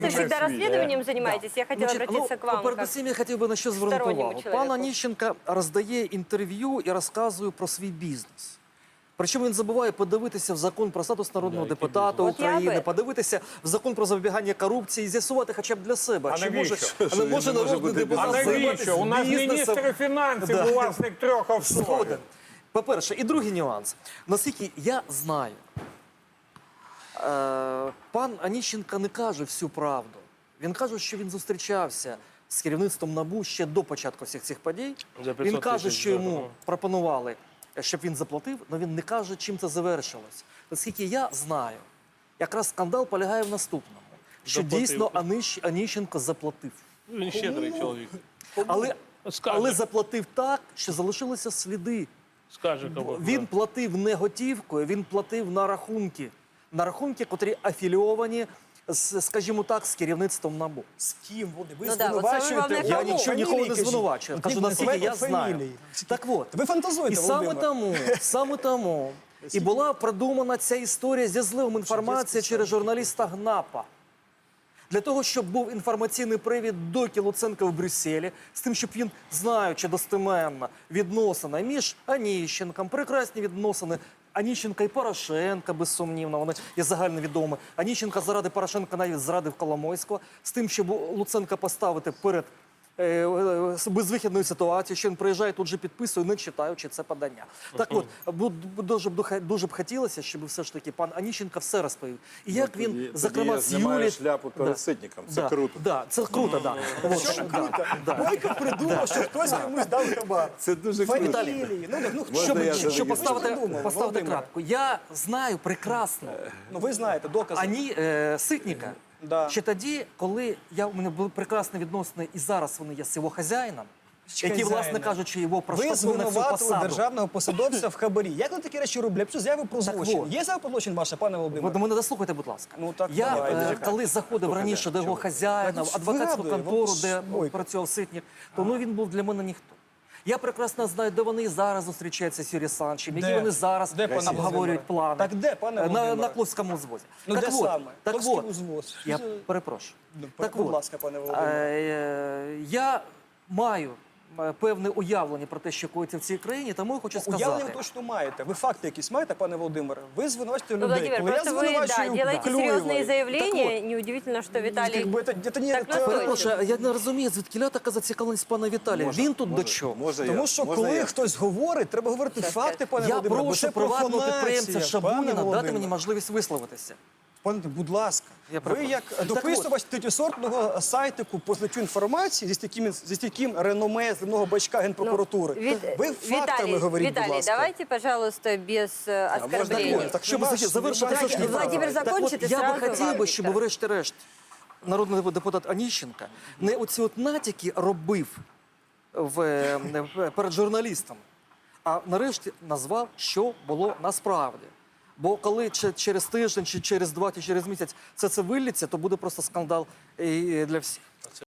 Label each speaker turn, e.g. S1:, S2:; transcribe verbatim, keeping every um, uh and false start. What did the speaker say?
S1: Вы всегда расследованием занимаетесь? Я хотела
S2: Значить,
S1: обратиться
S2: ну,
S1: к вам.
S2: передусім я хотів би на що звернути
S1: сторонньому
S2: увагу.
S1: чоловіку.
S2: Пан Аніщенко роздає інтерв'ю і розказує про свій бізнес. Причому він забуває подивитися в закон про статус народного депутата
S1: От я
S2: України,
S1: би-
S2: подивитися в закон про запобігання корупції і з'ясувати хоча б для себе,
S3: А
S2: чи
S3: навіщо?
S2: може,
S3: Що,
S2: а не
S3: він
S2: може
S3: не може
S2: народний
S3: бути
S2: депутат
S3: А навіщо?
S2: займатися
S3: У нас
S2: бізнесом.
S3: міністр фінансів,
S2: Да.
S3: власник трьох офшорів.
S2: Згоден. По-перше, і другий нюанс. Наскільки я знаю, е, пан Аніщенко не каже всю правду. Він каже, що він зустрічався з керівництвом НАБУ ще до початку всіх цих подій.
S4: За
S2: Він
S4: п'ятсот
S2: каже,
S4: тисяч
S2: що йому
S4: доларів.
S2: пропонували, щоб він заплатив, але він не каже, чим це завершилось. Наскільки я знаю, якраз скандал полягає в наступному, що
S4: Заплатив.
S2: дійсно Аніщ- Аніщенко заплатив.
S4: Він щедрий чоловік.
S2: Але,
S4: Скаже.
S2: але заплатив так, що залишилися сліди.
S4: Скаже кому.
S2: Він платив не готівкою, він платив на рахунки. На рахунки, котрі афілійовані, з, скажімо так, з керівництвом НАБУ.
S5: З ким вони? Ви
S1: Ну да, от саме
S5: звинувачуєте?
S1: головне,
S2: Я
S1: кому?
S2: нічого нікого не звинувачую.
S5: От
S2: Кажу,
S5: ні,
S2: наскільки я
S5: називайте
S2: знаю.
S5: фамілії.
S2: Так от,
S5: Ви фантазуєте,
S2: і саме
S5: Володимир.
S2: тому, саме тому і була продумана ця історія зі зливом інформації через журналіста ГНАПа. Для того, щоб був інформаційний привід до Луценка в Брюсселі, з тим, щоб він, знаючи достеменно відносини між Аніщенком, прекрасні відносини Аніщенка і Порошенка, безсумнівно, вони є загальновідомі. Аніщенка заради Порошенка навіть зрадив Коломойського, з тим, щоб Луценка поставити перед е, е, безвихідною ситуацією, що він приїжджає, тут же підписує, не читаючи це подання. Так от, бу- бу- дуже, б духа- дуже б хотілося, щоб все ж таки пан Аніщенко все розповів. І як він,
S6: Тоді-
S2: зокрема,
S6: тоді
S2: з
S6: знімає
S2: Юлі...
S6: шляпу перед Ситником. Це
S2: да,
S6: круто.
S2: Да, це круто, да. От,
S5: Що
S2: да,
S5: круто?
S2: да.
S5: Бойко придумав, що хтось комусь дав хабар.
S6: Це дуже круто.
S5: Фамілії. Ну, ну, хто?
S2: Щоб,
S6: Можна я
S2: щоб
S6: зареєструю?
S2: поставити,
S5: Ви ж придумали,
S2: поставити
S5: Володимире.
S2: крапку. Я знаю прекрасно
S5: Ну, ви знаєте, докази.
S2: Ані е, Ситника,
S5: Да.
S2: ще тоді, коли я, у мене були прекрасні відносини, і зараз вони є з його хазяїном, який, власне
S5: Хазяїна.
S2: кажучи, його
S5: Ви
S2: проштовхнув на цю
S5: звинуватили
S2: посаду.
S5: державного посадовця в хабарі. Як ви такі речі роблять? Що заяви про
S2: Так
S5: злочин?
S2: от.
S5: Є заява про злочин ваша, пане
S2: Ви
S5: Володимире?
S2: до мене дослухайте, будь ласка.
S5: Ну, так,
S2: я,
S5: давайте,
S2: е,
S5: чекайте.
S2: коли заходив раніше до його хазяїна, в
S5: Так,
S2: адвокатську
S5: згадую,
S2: контору,
S5: от
S2: де
S5: ж, ой.
S2: працював Ситник, то ну, він був для мене ніхто. Я прекрасно знаю, де вони і зараз зустрічаються з Юрієм Санчем, які
S5: Де?
S2: вони зараз
S5: Де, пане
S2: обговорюють
S5: Володимире?
S2: плани.
S5: Так де, пане
S2: на,
S5: Володимире?
S2: на Кловському узвозі.
S5: Ну,
S2: так
S5: де
S2: от,
S5: саме?
S2: Так
S5: Кловський
S2: от,
S5: узвоз.
S2: я
S5: Що за-
S2: перепрошую.
S5: Ну,
S2: так
S5: будь
S2: от,
S5: ласка, пане Володимире.
S2: е, я маю е, певне уявлення про те, що коїться в цій країні, тому я хочу сказати.
S5: Уявлення ви точно маєте. Ви факти якісь маєте, пане Володимире? Ви звинувачуєте
S1: Ну,
S5: людей.
S1: Владимир,
S5: Коли я
S1: просто вы, да,
S5: звинувачую
S1: делаете
S5: Клюєва,
S1: серьезные заявления.
S5: так от,
S1: Неудивительно, что Виталий
S5: как бы это- это не-
S1: так
S5: это-
S1: настойчив.
S2: Перепрошую, я не розумію, звідки така зацікавленість пана Віталія.
S6: Можна,
S2: Він тут
S6: можна,
S2: до чого?
S6: Можна я?
S5: Тому що
S6: Можна
S5: коли
S6: я?
S5: хтось говорить, треба говорити
S1: Щас,
S5: факти,
S1: щас.
S5: пане
S2: Я
S5: Володимире. бо
S2: прошу
S5: це
S2: приватного
S5: профанація,
S2: підприємця
S5: пане
S2: Шабуніна дати
S5: Володимире.
S2: мені можливість висловитися.
S5: Пане, будь ласка,
S2: Я
S5: ви
S2: перепрошую.
S5: як
S2: Так
S5: дописувач третьосортного сайтику по злиттю інформації зі стійким, зі стійким реноме земного бачка Генпрокуратури.
S1: Вит-
S5: ви фактами
S1: Виталий,
S5: говоріть,
S1: Виталий,
S5: будь ласка.
S1: давайте, пожалуйста, без э,
S6: можно
S1: оскорблений.
S6: такое?
S5: Так
S2: Щоб
S5: нема ж-
S2: завершити
S5: нема-
S2: трошки
S1: Владимир
S2: так
S1: закончить,
S2: от,
S1: і
S2: я би
S1: сразу
S2: хотів
S1: вам,
S2: би, щоб
S1: Віктор.
S2: врешті-решт народний депутат Аніщенко не оці от натяки робив в, е, в- перед журналістом, а нарешті назвав, що було насправді. Бо коли чи через тиждень, чи через два, чи через місяць це це виллється, то буде просто скандал і для всіх.